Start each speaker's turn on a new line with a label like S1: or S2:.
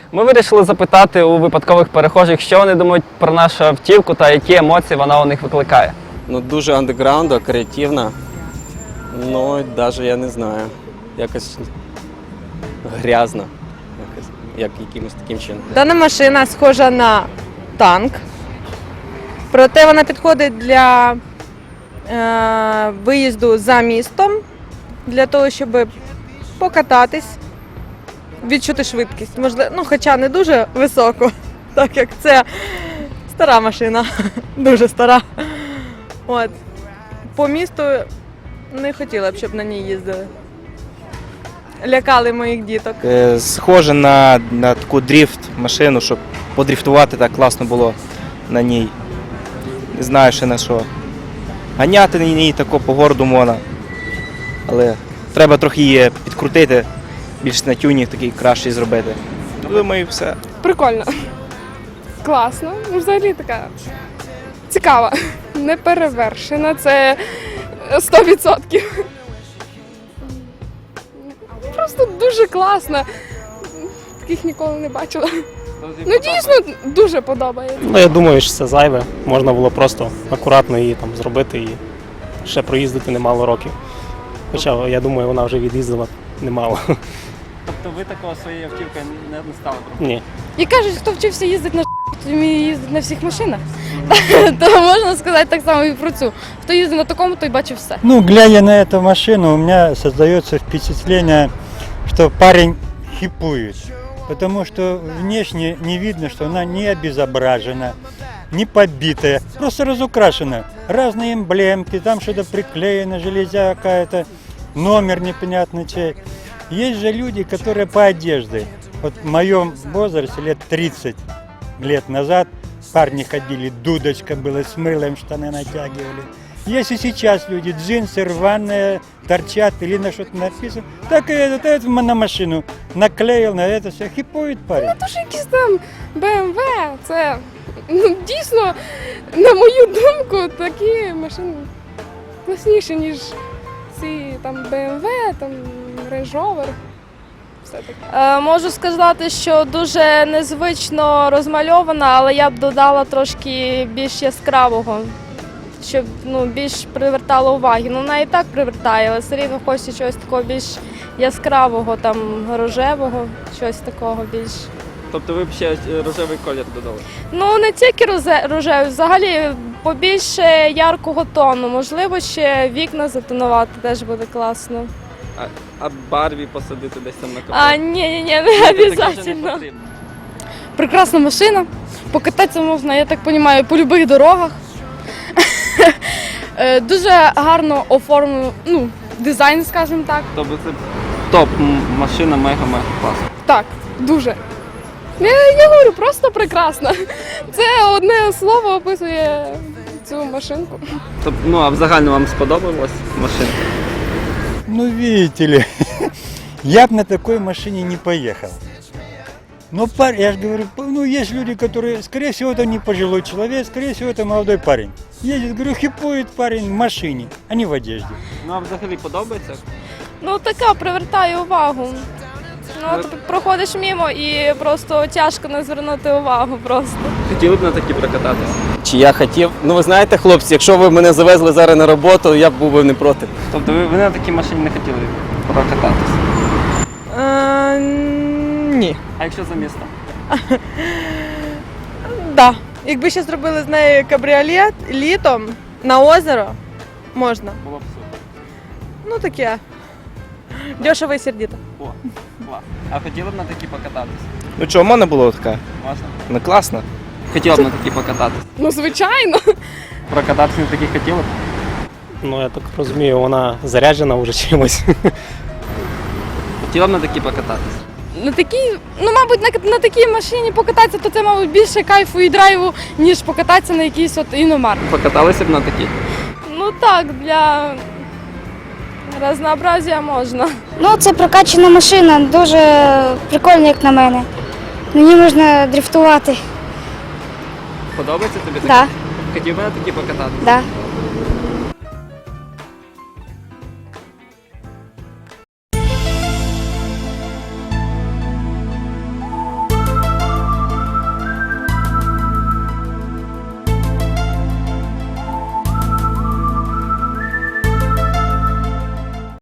S1: Ми вирішили запитати у випадкових перехожих, що вони думають про нашу автівку та які емоції вона у них викликає.
S2: Ну, дуже андеграундна, креативна. Ну, навіть я не знаю. Якось грязна. Як якимось таким чином.
S3: Дана машина схожа на танк, проте вона підходить для виїзду за містом, для того, щоб покататись, відчути швидкість. Можливо, ну, хоча не дуже високу, так як це стара машина, дуже стара. От. По місту не хотіла б, щоб на ній їздили. Лякали моїх діток.
S4: Схоже на таку дріфт-машину, щоб подріфтувати так класно було на ній. Не знаю ще на що. Ганяти на ній тако по городу можна. Але треба трохи її підкрутити, більш на тюнінг такий кращий зробити. Думаю, все.
S5: Прикольно. Класно. Ну, взагалі така цікава. Неперевершена. Це 100%. Просто дуже класно. Таких ніколи не бачила. Ну дійсно дуже подобається.
S6: Ну, я думаю, що це зайве. Можна було просто акуратно її там зробити і ще проїздити немало років. Хоча, я думаю, вона вже від'їздила немало.
S1: Тобто ви такого своєю автівкою не стали робити?
S6: Ні.
S5: І кажуть, хто вчився їздити на то вміє їздити на всіх машинах. То можна сказати так само і про цю. Хто їздить на такому, той бачив все.
S7: Ну, глядя на эту машину, у меня создается впечатление, что парень хипует. Потому что внешне не видно, что она не обезображена, не побитая, просто разукрашена. Разные эмблемки, там что-то приклеено, железя какая-то, номер непонятный чей. Есть же люди, которые по одежде. Вот в моем возрасте, лет 30 лет назад, парни ходили, дудочка была, с мылом штаны натягивали. Есть и сейчас люди, джинсы рваные, торчат или на что-то написано. Так и этот на машину наклеил, на это все, хипует парень.
S5: Тож якісь там BMW, це дійсно, на мою думку, такі машини класніші, ніж ці там BMW, там Range Rover. Все таке.
S8: Можу сказати, що дуже незвично розмальована, але я б додала трошки більш яскравого, щоб більш привертало уваги. Ну, вона і так привертає, але все рівно хочеться чогось такого більш яскравого, там, рожевого, щось такого більш.
S1: Тобто ви б ще рожевий колір додали?
S8: Ну, не тільки рожевий, взагалі побільше яркого тону. Можливо, ще вікна затонувати теж буде класно.
S1: А Барбі посадити десь там на капот?
S8: Ні, не обов'язково.
S5: Прекрасна машина. Покататися можна, я так розумію, по будь-яких дорогах. Дуже гарно оформлено, дизайн, скажімо так.
S1: Тобто це топ машина, мега-мега класна.
S5: Так, дуже. Я говорю, просто прекрасна. Це одне слово описує цю машинку.
S1: Тобто, а взагалі вам сподобалась машина?
S7: Ну, видите ли, я бы на такой машине не поехал. Но я же говорю, ну, есть люди, которые, скорее всего, это не пожилой человек, скорее всего, это молодой парень. Едет, говорю, хипует парень в машине, а не в одежде.
S1: Ну, а взагалі подобається?
S8: Ну, така привертає увагу. Ну, от проходиш мимо і просто тяжко не звернути увагу просто.
S1: Хотіли б на такі прокататися?
S2: Чи я хотів? Ну, ви знаєте, хлопці, якщо ви мене завезли зараз на роботу, я б був би не проти.
S1: Тобто ви на такій машині не хотіли прокататися?
S3: Ні.
S1: А якщо за містом?
S3: Да. Якби ще зробили з нею кабріолет літом на озеро, можна.
S1: Було б супер.
S3: Ну таке. Дешево і сердито.
S1: О, клас. А хотіли б на такі покататися?
S4: Ну чого, в мене було така?
S1: Можна?
S4: Ну класно.
S1: Хотіла б на такі покататися?
S5: Ну, звичайно.
S1: Прокататися на такі хотіли б?
S6: Ну, я так розумію, вона заряджена вже чимось.
S1: Хотіла б на такі покататися?
S5: На такій, мабуть, на такій машині покататися, то це, мабуть, більше кайфу і драйву, ніж покататися на якійсь іномарці.
S1: Покаталися б на такій?
S8: Ну так, для разнообразія можна.
S9: Ну, це прокачана машина, дуже прикольна, як на мене. На ній можна дрифтувати.
S1: Подобається тобі таке?
S9: Да,
S1: Хотів би на такі покататися?
S9: да.